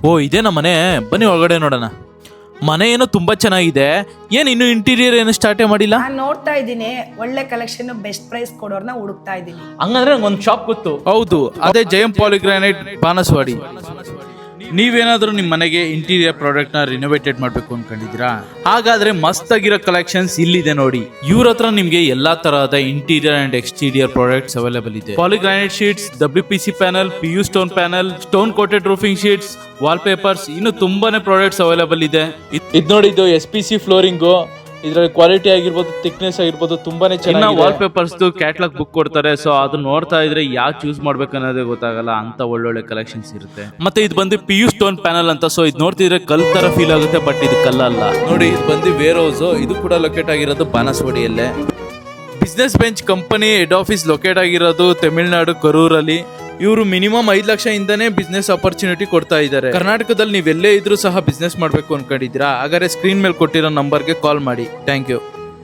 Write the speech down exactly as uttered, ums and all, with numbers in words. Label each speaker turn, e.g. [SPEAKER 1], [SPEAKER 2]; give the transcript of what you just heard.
[SPEAKER 1] ಓ ಇದೇನಾ ಮನೆ, ಬನ್ನಿ ಒಳಗಡೆ ನೋಡೋಣ. ಮನೆ ಏನೋ ತುಂಬಾ ಚೆನ್ನಾಗಿದೆ. ಏನ್ ಇನ್ನು ಇಂಟೀರಿಯರ್ ಏನು ಸ್ಟಾರ್ಟೇ ಮಾಡಿಲ್ಲ?
[SPEAKER 2] ನಾನು ನೋಡ್ತಾ ಇದ್ದೀನಿ, ಒಳ್ಳೆ ಕಲೆಕ್ಷನ್ ಬೆಸ್ಟ್ ಪ್ರೈಸ್ ಕೊಡೋರ್ನ ಹುಡುಕ್ತಾ ಇದ್ದೀನಿ.
[SPEAKER 3] ಹಂಗಂದ್ರೆ ನಂಗೆ ಒಂದು ಶಾಪ್ ಗೊತ್ತು.
[SPEAKER 1] ಹೌದು, ಅದೇ ಜಯಂ ಪಾಲಿಗ್ರಾನೈಟ್ ಬಾನಸವಾಡಿ. ನೀವೇನಾದ್ರೂ ನಿಮ್ಮ ಮನೆಗೆ ಇಂಟೀರಿಯರ್ ಪ್ರಾಡಕ್ಟ್ ನ ರಿನೋವೇಟೆಡ್ ಮಾಡಬೇಕು ಅನ್ಕೊಂಡಿದ್ದೀರಾ? ಹಾಗಾದ್ರೆ ಮಸ್ತ್ ಆಗಿರೋ ಕಲೆಕ್ಷನ್ಸ್ ಇಲ್ಲಿದೆ ನೋಡಿ. ಇವ್ರ ಹತ್ರ ನಿಮ್ಗೆ ಎಲ್ಲಾ ತರಹದ interior and exterior products available ಇದೆ. Poly granite sheets, W P C panel, P U stone panel, stone coated roofing sheets, wall papers, ಇನ್ನು ತುಂಬಾನೇ ಪ್ರಾಡಕ್ಟ್ಸ್ ಅವೈಲೇಬಲ್ ಇದೆ.
[SPEAKER 3] ಇದು ನೋಡಿ, ಇದು ಎಸ್ ಪಿ ಸಿ ಫ್ಲೋರಿಂಗು. ಇದ್ರಲ್ಲಿ ಕ್ವಾಲಿಟಿ ಆಗಿರ್ಬೋದು, ಥಿಕ್ನೆಸ್ ಆಗಿರ್ಬೋದು, ತುಂಬಾನೇ ಚೆನ್ನಾಗಿ.
[SPEAKER 1] ವಾಲ್ ಪೇಪರ್ಸ್ ಕ್ಯಾಟ್ಲಾಗ್ ಬುಕ್ ಕೊಡ್ತಾರೆ. ಸೊ ಅದು ನೋಡ್ತಾ ಇದ್ರೆ ಯಾವ ಚೂಸ್ ಮಾಡ್ಬೇಕು ಅನ್ನೋದೇ ಗೊತ್ತಾಗಲ್ಲ, ಅಂತ ಒಳ್ಳೊಳ್ಳೆ ಕಲೆಕ್ಷನ್ಸ್ ಇರುತ್ತೆ. ಮತ್ತೆ ಇದು ಬಂದು ಪಿ ಯು ಸ್ಟೋನ್ ಪ್ಯಾನಲ್ ಅಂತ. ಸೊ ಇದು ನೋಡ್ತಿದ್ರೆ ಕಲ್ ತರ ಫೀಲ್ ಆಗುತ್ತೆ, ಬಟ್ ಇದು ಕಲ್ಲಲ್ಲ ನೋಡಿ. ಇದು ಬಂದು ವೇರ್ ಹೌಸ್. ಇದು ಕೂಡ ಲೊಕೇಟ್ ಆಗಿರೋದು ಬಾನಸವಾಡಿಯಲ್ಲೇ. Business bench company head office locate ಆಗಿರೋದು ತಮಿಳುನಾಡು ಕರೂರಲ್ಲಿ. ಇವರು ಮಿನಿಮಮ್ ಐದು ಲಕ್ಷ ಇಂದಾನೇ ಬಿಸ್ನೆಸ್ ಆಪರ್ಚುನಿಟಿ ಕೊಡ್ತಾ ಇದ್ದಾರೆ. ಕರ್ನಾಟಕದಲ್ಲಿ ನೀವೆಲ್ಲೇ ಇದ್ರೂ ಸಹ ಬಿಸ್ನೆಸ್ ಮಾಡಬೇಕು ಅನ್ಕೊಂಡಿದ್ದೀರಾ? ಹಾಗಾದ್ರೆ ಸ್ಕ್ರೀನ್ ಮೇಲೆ ಕೊಟ್ಟಿರೋ ನಂಬರ್ಗೆ ಕಾಲ್ ಮಾಡಿ. Thank you.